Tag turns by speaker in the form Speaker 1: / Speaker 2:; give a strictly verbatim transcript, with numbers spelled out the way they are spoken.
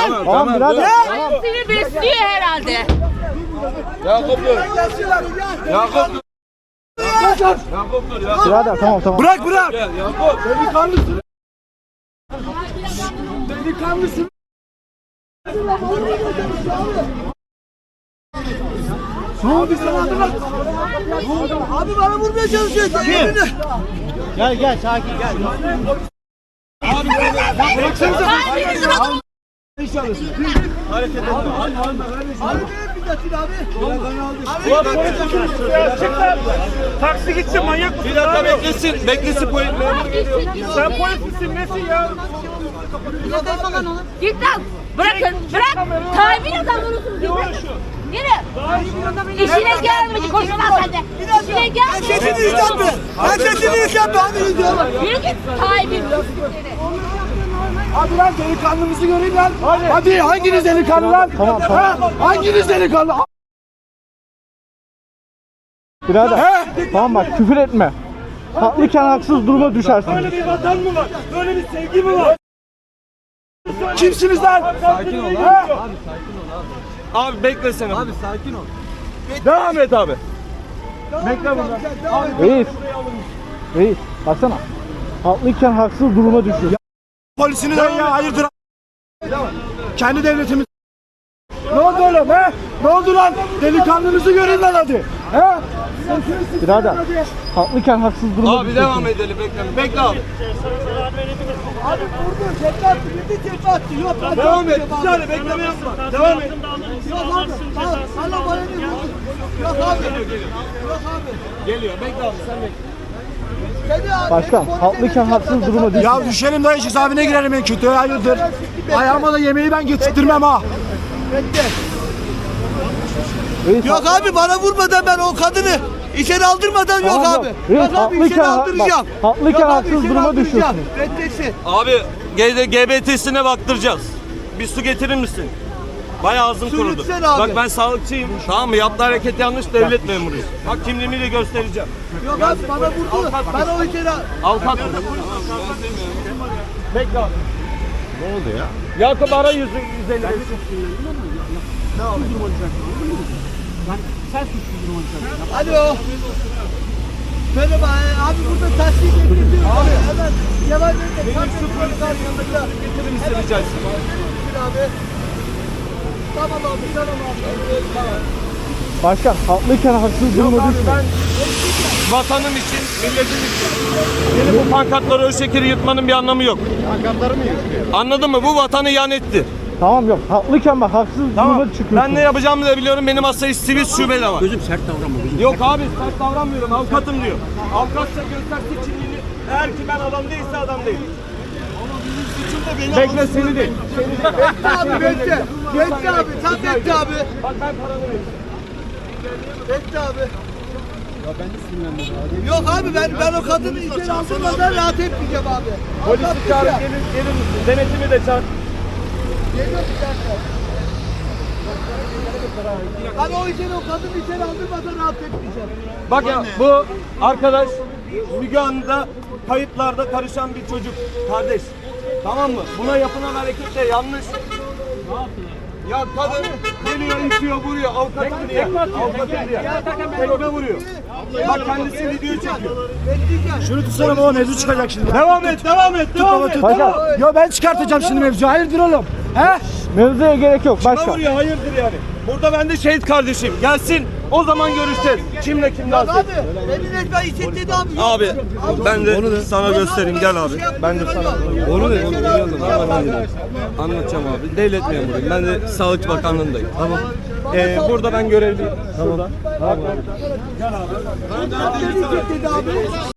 Speaker 1: Tamam, tamam birader.
Speaker 2: Tamam. Seni besliyor herhalde.
Speaker 1: Yakup dur. Yakup dur. Yakup dur ya.
Speaker 3: Birader tamam tamam.
Speaker 1: Bırak bırak. Gel Yakup. Delikanlısın. Delikanlısın. Ne oldu sana adı bak?
Speaker 4: Abi bana vurmaya çalışıyor.
Speaker 3: Kim? Gel gel sakin gel.
Speaker 1: Abi bıraksanıza.
Speaker 2: Kalbinizi bırakın.
Speaker 1: Hareket etme.
Speaker 4: Abi bir dakika abi.
Speaker 5: Taksi gitsin manyak mısın?
Speaker 1: Bir dakika beklesin. Beklesin polis memuru geliyor.
Speaker 5: Sen polis misin nesin ya?
Speaker 2: Git lan. Bırakın. Bırak. Tayyip'in adamlarısınız. Git. Yürü. İşine gelmedi. Koşun lan sen de. İşine gelmedi.
Speaker 4: Sesini yükseltme. Ben sesini yükseltme abi.
Speaker 2: Yürü git. Tayyip'in.
Speaker 4: Hadi lan delikanlımızı göreyim lan. Hadi, Hadi hanginiz delikanlı lan?
Speaker 3: Tamam, tamam.
Speaker 4: Ha? Hanginiz delikanlı?
Speaker 3: Birader. Tamam bak küfür etme. Haklıyken haksız duruma düşersin.
Speaker 5: Böyle bir vatan mı var? Böyle bir sevgi mi var?
Speaker 4: Kimsiniz lan?
Speaker 1: Sakin ol abi. Abi sakin ol abi. Abi beklesene. Abi sakin ol. Devam et abi. Bekle burada.
Speaker 3: Reis. Reis baksana. Haklıyken haksız duruma düşüyor.
Speaker 4: Polisini de ya hayırdır? Kendi devletimiz. Ne oldu oğlum he? Ne oldu lan? Delikanlınızı görün lan hadi. He?
Speaker 3: Birader. Haklıyken haksız duruma
Speaker 1: Abi
Speaker 3: düşüyorsun.
Speaker 1: devam edelim bekle. Bekle abi.
Speaker 4: Abi vurdu, tekme attı, gitti tekme attı. Yok hadi.
Speaker 1: Devam et. Bir saniye bekleme yapma. Devam et.
Speaker 4: Yok abi. Allah bana ne vurdu? Yok abi. Yok abi.
Speaker 1: Geliyor. Bekle abi sen bekle.
Speaker 4: Seni abi.
Speaker 3: Başkan haklıyken haksız duruma düşüyor.
Speaker 4: Ya düşelim dayı cezaevine girelim en kötü hayırdır. Ayağıma da yemeği ben getirttirmem ha.
Speaker 3: Reis,
Speaker 4: Yok abi bana vurmadan ben o kadını içeri aldırmadan yok
Speaker 3: Tamam,
Speaker 4: abi.
Speaker 3: yok. Reis,
Speaker 4: Yok abi içeri
Speaker 3: haklıyken-
Speaker 4: aldıracağım.
Speaker 3: bak, haklıyken
Speaker 4: Yok abi,
Speaker 3: haksız
Speaker 4: içeri
Speaker 3: duruma
Speaker 4: aldıracağım.
Speaker 3: düşüyorsun.
Speaker 4: Reddetsin.
Speaker 1: Abi G B T'sine baktıracağız. Bir su getirir misin? Bayağı ağzım
Speaker 4: Su
Speaker 1: kurudu.
Speaker 4: lütfen abi.
Speaker 1: Bak ben sağlıkçıyım. Tamam mı? Yaptığı hareket yanlış, devlet memuruyum. Bak kimliğimi de göstereceğim.
Speaker 4: Yok abi bana vurdu. Ben o içeri
Speaker 1: Avukat mı? Bekle abi. Ne oldu ya? Yakup ara yüzü yüz elli beş.
Speaker 4: Alo. Merhaba abi burada taksi getirdim. Abi hemen yavaş yavaş.
Speaker 1: Benim şu polislerin yanında getirir misin rica etsem?
Speaker 4: abi. Tamam abi tamam abi. Tamam.
Speaker 3: Başkan haklıyken haksız duruma
Speaker 1: Abi
Speaker 3: düşme.
Speaker 1: ben vatanım için, milletim için benim bu pankartları o şekeri yırtmanın bir anlamı yok. Pankartları mı yırtıyor? Anladın mı? Bu vatanı ihanettir.
Speaker 3: Tamam yok haklıyken bak haksız
Speaker 1: Tamam.
Speaker 3: duruma çıkıyorsun.
Speaker 1: Ben ne yapacağımı da biliyorum. Benim hasta sivil şube de var. Gözüm sert davranma. Yok abi sert davranmıyorum. Avukatım diyor. Avukatsa göstersin kimliğini. Eğer ki ben adam değilse adam değil. Bekle seni değil.
Speaker 4: Bekle abi bekle. Bekle abi tam bekle abi.
Speaker 1: Bak ben paranı veririm.
Speaker 4: Bekle abi. Ya ben de sinirlendim abi. Yok abi ben ben o kadını içeri aldırmadan rahat etmeyeceğim abi.
Speaker 1: Polisi çağır gelir, gelir misin? Denetimi de çağır.
Speaker 4: Geliyor bir dakika. Hani o içeri o kadını içeri aldırmadan rahat etmeyeceğim.
Speaker 1: Bak ya bu arkadaş Müge Anlı'da kayıtlarda karışan bir çocuk. Kardeş. Tamam mı? Buna yapılan hareket de yanlış. Ne yaptılar? Ya kadın geliyor, itiyor, vuruyor. Avukatım diye. Avukatım diye. Tekme vuruyor. Bak kendisi video çekiyor.
Speaker 4: Şunu tutsana baba mevzu çıkacak şimdi.
Speaker 1: Devam et, devam et, devam et.
Speaker 3: Başkan
Speaker 4: Yo ben çıkartacağım şimdi mevzu. Hayırdır oğlum? He?
Speaker 3: mevzuya gerek yok
Speaker 1: Kime
Speaker 3: başkan.
Speaker 1: vuruyor? Hayırdır yani. Burada ben de şehit kardeşim. Gelsin. O zaman görüşeceğiz. Kimle kim lazım?
Speaker 4: Abi beni resmen için dedi abi.
Speaker 1: Abi ben de sana göstereyim gel abi. Ben de sana onu da anlatacağım abi. Devlet memuruyum. Ben de Sağlık Bakanlığındayım. Tamam. Ee, burada ben görevliyim. Tamam.
Speaker 4: Beni için dedi abi.